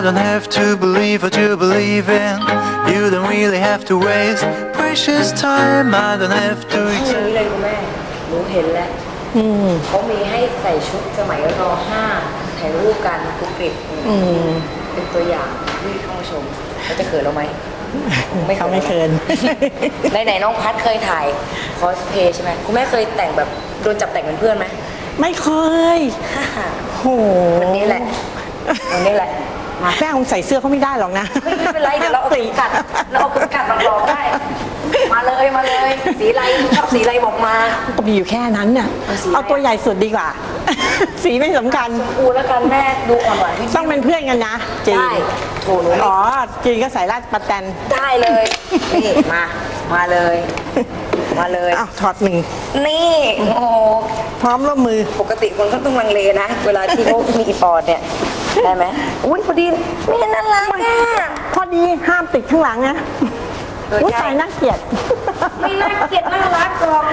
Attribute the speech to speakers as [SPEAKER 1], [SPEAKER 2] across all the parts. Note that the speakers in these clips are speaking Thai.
[SPEAKER 1] don't have to believe what you believe in. You don't really have to waste precious time. I don't have to.
[SPEAKER 2] ห้องนี้เลยคุณแม่หนูเห็นแล้วเขามีให้ใส่ชุดสมัยร.5ถ่ายรูปกันคุกกริบเป็นตัวอย่างที่เข้ามาชมเขาจะเขินเราไหม
[SPEAKER 3] เขาไม่เขิน
[SPEAKER 2] ไหนน้องพัดเคยถ่ายคอสเพย์ใช่ไหมคุณแม่เคยแต่งแบบโดนจับแต่งเป็นเพื่อนไหม
[SPEAKER 3] ไม่เคยโห
[SPEAKER 2] วันนี้แหละวันนี้แหละ
[SPEAKER 3] แม่คงใส่เสื้อเขาไม่ได้หรอกนะ
[SPEAKER 2] ไม่เป็นไรเดี๋ยวเราเอาเข็มกัดมาลองได้มาเลยสีอะไรชอบสีอะไรบอกมา
[SPEAKER 3] ก็มีอยู่แค่นั้นน่ะเอาตัวใหญ่สุดดีกว่าสีไม่สำคัญ
[SPEAKER 2] อูแล้วกันแม่ดูอ่อนหวาน
[SPEAKER 3] ต้องเป็นเพื่อนกันนะจีน
[SPEAKER 2] โถหนู
[SPEAKER 3] อ๋อจีนก็ใส่ราดปะแตน
[SPEAKER 2] ได้เลยนี่มาเลย
[SPEAKER 3] อ้าวถอดหนึ่ง
[SPEAKER 2] นี่โอ้
[SPEAKER 3] พร้อมร่วมมือ
[SPEAKER 2] ปกติคนก็ต้องลังเลนะเวลาที่เขามีอีปอดเนี่ยได้ไหมอุ้ยพอดีนี่น่ารักอ่ะ
[SPEAKER 3] พอดีห้ามติดข้างหลังนะอุ้ยใส่น่าเกลียด
[SPEAKER 2] ไม่น่าเกลียดน่ารักหรอก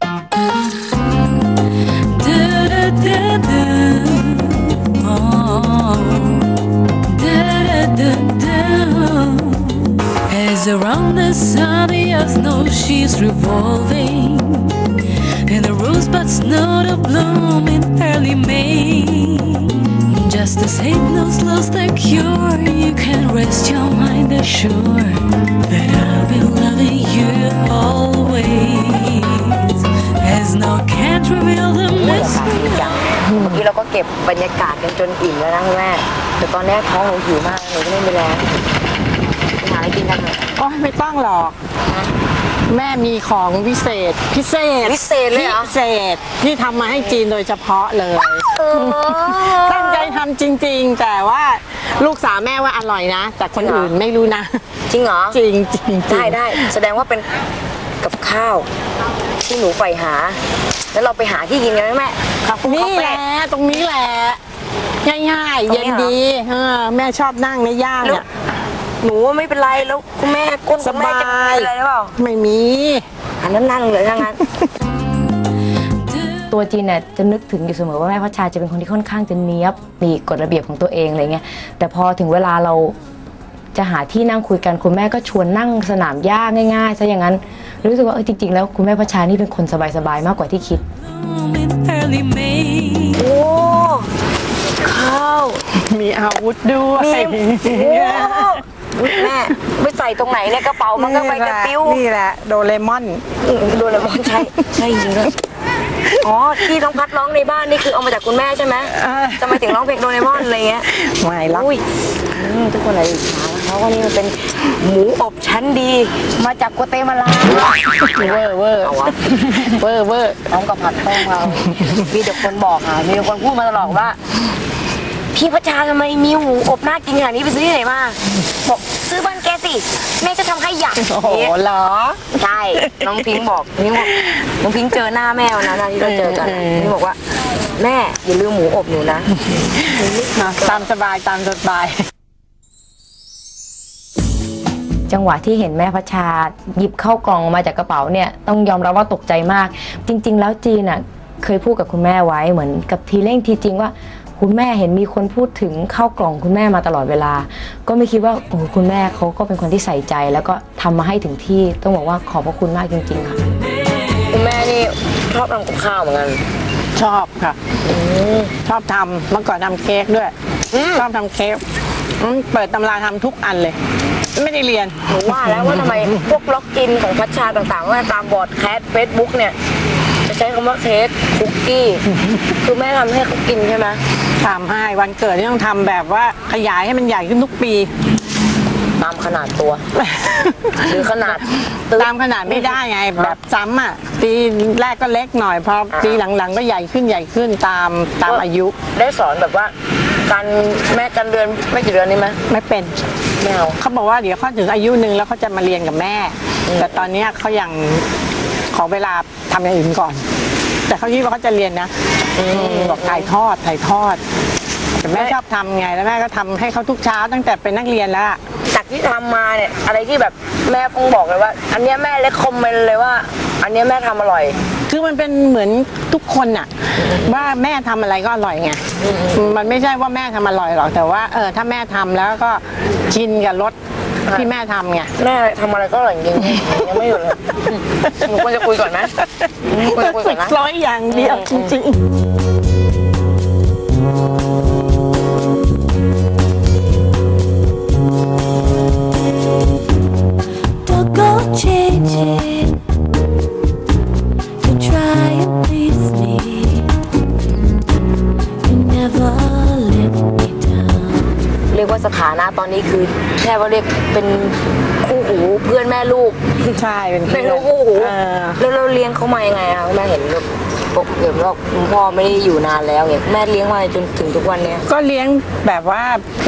[SPEAKER 4] As around the sun the earth knows she's revolving and the rosebuds know to bloom in early May. Just as hate knows love's the cure, you can rest your mind assured that I'll be loving you always. As no can't reveal the mystery.
[SPEAKER 2] เมื่อกี้เราก็เก็บบรรยากาศกันจนอิ่มแล้วนะแม่แต่ตอนนี้ท้องหนูหิวมากหนูก็ไม่มีแรงหาอะไรกินกันเถอะ
[SPEAKER 3] อ๋อไม่ต้องหรอกแม่มีของพิเศษ
[SPEAKER 2] เลยเหรอ
[SPEAKER 3] พิเศษที่ทำมาให้จีนโดยเฉพาะเลยตั้งใจทำจริงๆแต่ว่าลูกสาวแม่ว่าอร่อยนะแต่คนอื่นไม่รู้นะ
[SPEAKER 2] จริงเหรอ
[SPEAKER 3] จริง
[SPEAKER 2] ได้แสดงว่าเป็นกับข้าวที่หนูใฝ่หาแล้วเราไปหาที่กินกันไหมแม่
[SPEAKER 3] นี่แหละตรงนี้แหละง่ายๆเย็นดีแม่ชอบนั่งในย่างเนี่ย
[SPEAKER 2] หนูไม่เป็นไรแล้วคุณแม่ก้นคุณแม่จะมีอะไรหรือเปล่า
[SPEAKER 3] ไม่มี
[SPEAKER 2] อันนั้นนั่งเลยทั้งนั้น
[SPEAKER 5] ตัวจีนเนี่ยจะนึกถึงอยู่เสมอว่าแม่พัชชาจะเป็นคนที่ค่อนข้างจะเนี้ยบมีกฎระเบียบของตัวเองอะไรเงี้ยแต่พอถึงเวลาเราจะหาที่นั่งคุยกันคุณแม่ก็ชวนนั่งสนามหญ้าง่ายๆซะอย่างนั้นรู้สึกว่าจริงๆแล้วคุณแม่พัชชานี่เป็นคนสบายๆมากกว่าที่คิด
[SPEAKER 2] โอ้ข้าว
[SPEAKER 3] มีอาวุธด้วย
[SPEAKER 2] แม่ไปใส่ตรงไหนเนี่ยกระเป๋ามันก็ไปกระปิ้ว
[SPEAKER 3] นี่แหละโดเรมอน
[SPEAKER 2] ใช่จริงด้วยอ๋อที่น้องพัดร้องในบ้านนี่คือเอามาจากคุณแม่ใช่ไหมจะมาถึงร้องเพลงโดเรมอนอะไรเงี้ย
[SPEAKER 3] ไม่หรอก
[SPEAKER 2] ทุกคนอะไรอิจฉาเพราะว่านี่มันเป็นหมูอบชั้นดีมาจากกัวเตมาลา
[SPEAKER 3] เวอร์
[SPEAKER 2] น้องกับผัดต้มเรามีแต่คนบอกมีแต่คนพูดมาตลอดว่าพี่พัชชาทำไมมีหมูอบน่ากินขนาดนี้ไปซื้อที่ไหนมาบอกซื้อบ้านแกสิแม่จะทำให้อยาก
[SPEAKER 3] โอ้โหเหรอ
[SPEAKER 2] ใช่น้องพิงบอกน้องพิงเจอหน้าแม่วันนั้นที่เราเจอกันนี่บอกว่าแม่อย่าลืมหมูอบหนูนะ
[SPEAKER 3] ตามสบาย
[SPEAKER 5] จังหวะที่เห็นแม่พัชชาหยิบเข้ากล่องมาจากกระเป๋าเนี่ยต้องยอมรับว่าตกใจมากจริงๆแล้วจีนเคยพูดกับคุณแม่ไว้เหมือนกับทีเร่งทีจริงว่าคุณแม่เห็นมีคนพูดถึงข้าวกล่องคุณแม่มาตลอดเวลาก็ไม่คิดว่าโอ้คุณแม่เขาก็เป็นคนที่ใส่ใจแล้วก็ทำมาให้ถึงที่ต้องบอกว่าขอบพระคุณมากจริงๆค่ะ
[SPEAKER 2] คุณแม่นี่ชอบทำกับข้าวเหมือนกัน
[SPEAKER 3] ชอบค่ะชอบทำเมื่อก่อนทำเค้กด้วยชอบทำเค้กเปิดตำราทำทุกอันเลยไม่ได้เรียน
[SPEAKER 2] หนูว่าแล้วว่าทำไมพวกล็อกกินของพัชชาต่างๆว่าตามบอร์ดแคสเฟซบุ๊กเนี่ยจะใช้คำว่าเค้กคุกกี้คือแม่ทำให้เขากินใช่ไหม
[SPEAKER 3] ทำให้วันเกิดที่ต้องทำแบบว่าขยายให้มันใหญ่ขึ้นทุกปี
[SPEAKER 2] ตามขนาดตัวหรือขนาด
[SPEAKER 3] ตามขนาดไม่ได้ไงแบบซ้ำปีแรกก็เล็กหน่อยพอปีหลังๆก็ใหญ่ขึ้นตามอายุ
[SPEAKER 2] ได้สอนแบบว่าการแม่กันเดือนไม่กี่เดือนนี่ไหม
[SPEAKER 3] ไม่เป็น
[SPEAKER 2] ไม่เอา
[SPEAKER 3] เขาบอกว่าเดี๋ยวเขาถึงอายุนึงแล้วเขาจะมาเรียนกับแม่แต่ตอนนี้เขายังขอเวลาทำอย่างอื่นก่อนแต่เขาคิดว่าเขาจะเรียนนะบอกถ่ายทอดแต่แม่ชอบทำไงแล้วแม่ก็ทำให้เขาทุกเช้าตั้งแต่เป็นนักเรียนแล้วอะ
[SPEAKER 2] จากที่ทำมาเนี่ยอะไรที่แบบแม่คงบอกเลยว่า อันเนี้ยแม่เลคคอมเมนต์เลยว่า อันเนี้ยแม่ทำอร่อย
[SPEAKER 3] คือมันเป็นเหมือนทุกคนอะว่าแม่ทำอะไรก็อร่อยไงมันไม่ใช่ว่าแม่ทำอร่อยหรอกแต่ว่าถ้าแม่ทำแล้วก็ชินกับรสที่แม่ทำไง
[SPEAKER 2] แม่ทำอะไรก็อร่อยจริงๆยังไม่หยุดเลยหนูควรจะคุยก่อนไหมควรจะคุยก่อนนะ
[SPEAKER 3] ร้อยอย่างเดียวจริงๆ
[SPEAKER 4] Don't go changing to try and please me. You never let me down.
[SPEAKER 2] เรียกว่าสถานะตอนนี้คือแค่ว่าเรียกเป็นคู่หูเพื่อนแม่ลูก
[SPEAKER 3] ใช่เป็น
[SPEAKER 2] เป็นลูกคู่หูแล้วเราเลี้ยงเขามายังไงคะแม่เห็นแบบเห็นว่าคุณพ่อไม่ได้อยู่นานแล้วเนี่ยแม่เลี้ยงมาจนถึงทุกวันเนี้ย
[SPEAKER 3] ก็เลี้ยงแบบว่า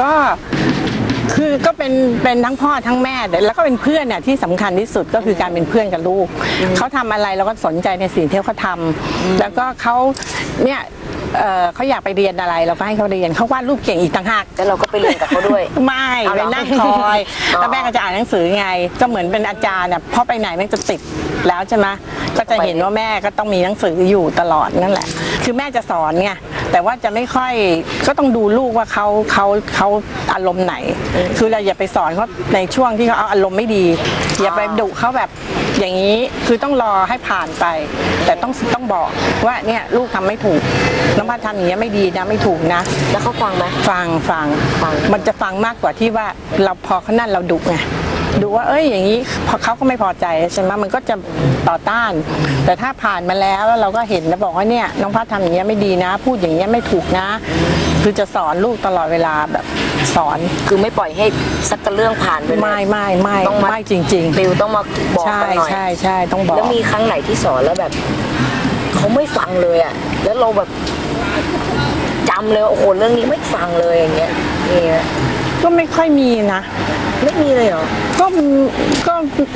[SPEAKER 3] ก็เป็นทั้งพ่อทั้งแม่แล้วก็เป็นเพื่อนเนี่ยที่สำคัญที่สุดก็คือการเป็นเพื่อนกับลูกเขาทำอะไรเราก็สนใจในสิ่งที่เขาทำแล้วก็เขาเนี่ยเขาอยากไปเรียนอะไรเราก็ให้เขาเรียนเขาวาดรูปเก่งอีกต่างหาก
[SPEAKER 2] แล้วเราก็ไปเรียนกับเขาด้วย
[SPEAKER 3] ไม่
[SPEAKER 2] เอาเหร
[SPEAKER 3] ไป
[SPEAKER 2] อ
[SPEAKER 3] นั่งคอย แล้วแม่ก็จะอ่านหนังสือไงก็เหมือนเป็นอาจารย์น่ะพอไปไหนแม่จะติดแล้วใช่ไหมก็จะเห็นว่าแม่ก็ต้องมีหนังสืออยู่ตลอดนั่นแหละคือแม่จะสอนไงแต่ว่าจะไม่ค่อยก็ต้องดูลูกว่าเขาอารมณ์ไหน คือเราอย่าไปสอนเขาในช่วงที่เขาเอาอารมณ์ไม่ดีอย่าไปดุเขาแบบอย่างนี้คือต้องรอให้ผ่านไป แต่ต้องบอกว่าเนี่ยลูกทำไม่ถูกน้องพัดทำอย่างเงี้ยไม่ดีนะไม่ถูกนะ
[SPEAKER 2] แล้วเขาฟังไหม
[SPEAKER 3] ฟังมันจะฟังมากกว่าที่ว่าเราพอเขานั่นเราดุไงดูว่าอย่างนี้พอเขาก็ไม่พอใจใช่ไหมมันก็จะต่อต้าน แต่ถ้าผ่านมาแล้วเราก็เห็นแล้วบอกว่าเนี่ยน้องพัดทำอย่างเงี้ยไม่ดีนะ พูดอย่างเงี้ยไม่ถูกนะ คือจะสอนลูกตลอดเวลาแบบสอน
[SPEAKER 2] คือไม่ปล่อยให้สักกระเรื่องผ่านไปเลย
[SPEAKER 3] ไม่
[SPEAKER 2] ต้องมา
[SPEAKER 3] ไม่จริงๆ
[SPEAKER 2] ติวต้องมาบอก
[SPEAKER 3] ใช่
[SPEAKER 2] กันหน่อย
[SPEAKER 3] ใช่ต้องบอก
[SPEAKER 2] แล้วมีครั้งไหนที่สอนแล้วแบบเขาไม่ฟังเลยอ่ะแล้วเราแบบจำเลยว่าโอ้โหเรื่องนี้ไม่ฟังเลยอย่างเงี้ยนี่นะ
[SPEAKER 3] ก็ไม่ค่อยมีนะ
[SPEAKER 2] ไม่มีเลยเหรอ
[SPEAKER 3] ก็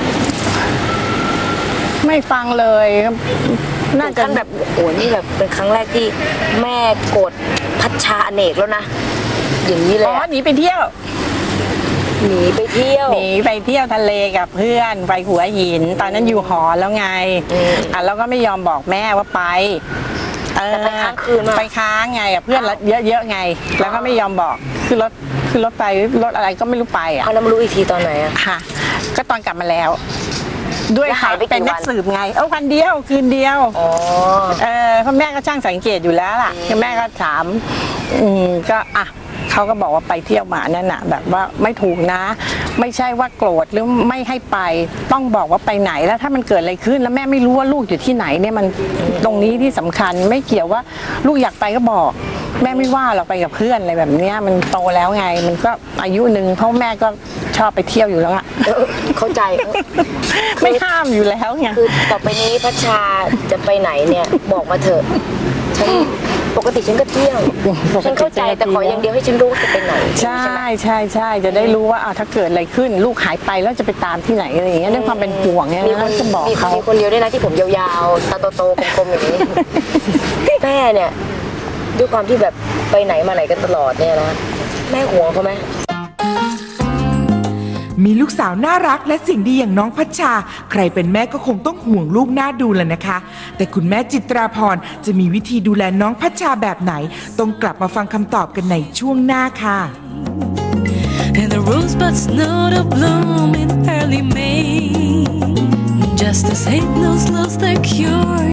[SPEAKER 3] ไม่ฟังเลยน่า
[SPEAKER 2] ถึง
[SPEAKER 3] จะ
[SPEAKER 2] ขั้นแบบโอ้โหนี่แบบเป็นครั้งแรกที่แม่โกรธพัชชาอเนกแล้วนะอย่างนี้เลยอะ
[SPEAKER 3] หนีไปเที่ยว
[SPEAKER 2] หนีไปเที่ยว
[SPEAKER 3] หนีไปเที่ยวทะเลกับเพื่อนไปหัวหิน ตอนนั้นอยู่หอแล้วไงแล้วก็ไม่ยอมบอกแม่ว่าไป
[SPEAKER 2] แต่ไปค้างคืนมา
[SPEAKER 3] ไปค้างไงกับเพื่อนเยอะๆไง แล้วก็ไม่ยอมบอกคือรถไปรถอะไรก็ไม่รู้ไปอ่ะ
[SPEAKER 2] เอาแล้วมารู้อีกทีตอนไหนอ่ะ
[SPEAKER 3] ค่ะ ก็ตอนกลับมาแล้ว ด้วย
[SPEAKER 2] แล้วหายไปกี่
[SPEAKER 3] เป็นนัก
[SPEAKER 2] วัน
[SPEAKER 3] สืบไงวันเดียวคืนเดียว
[SPEAKER 2] อ๋อ
[SPEAKER 3] เพราะแม่ก็ช่างสังเกตอยู่แล้วล่ะคือแม่ก็ถามก็เขาก็บอกว่าไปเที่ยวมานั่นน่ะแบบว่าไม่ถูกนะ ไม่ใช่ว่าโกรธหรือไม่ให้ไปต้องบอกว่าไปไหนแล้วถ้ามันเกิดอะไรขึ้นแล้วแม่ไม่รู้ว่าลูกอยู่ที่ไหนเนี่ยมันตรงนี้ที่สำคัญไม่เกี่ยวว่าลูกอยากไปก็บอก แม่ไม่ว่าเราไปกับเพื่อนอะไรแบบเนี้ยมันโตแล้วไงมันก็อายุหนึ่งเพราะแม่ก็ชอบไปเที่ยวอยู่แล้วอะ
[SPEAKER 2] เข้าใจ
[SPEAKER 3] ไม่ห้ามอยู่แล้วไง
[SPEAKER 2] คือต่อไปนี้พัชชาจะไปไหนเนี่ยบอกมาเถอะฉันปกติฉันก็เที่ยวฉันเข้าใจแต่ขออย่างเดียวให้ฉันรู้ว่าจะไปไหน
[SPEAKER 3] ใช่จะได้รู้ว่าถ้าเกิดอะไรขึ้นลูกหายไปแล้วจะไปตามที่ไหนอะไรอย่างเงี้ยด้วยความเป็นห่วงเนี่ย
[SPEAKER 2] มีคน
[SPEAKER 3] จะบอกเขา
[SPEAKER 2] มีคนเดียวด้วยนะที่ผมยาวๆตาโตๆกลมๆอย่างนี้ แม่เนี่ยด้วยความที่แบบไปไหนมาไหนกันตลอดเนี่ยนะแม่ห่วงเขาไหม
[SPEAKER 6] มีลูกสาวน่ารักและเสิ่งดีอย่างน้องพัชชาใครเป็นแม่ก็คงต้องห่วงลูกน่าดูแหละนะคะ แต่คุณแม่จิตราพรจะมีวิธีดูแลน้องพัชชาแบบไหนต้องกลับมาฟังคำตอบกันในช่วงหน้าค่ะ
[SPEAKER 4] And the rosebuds know to bloom in early May. Just as hate knows love's their cure.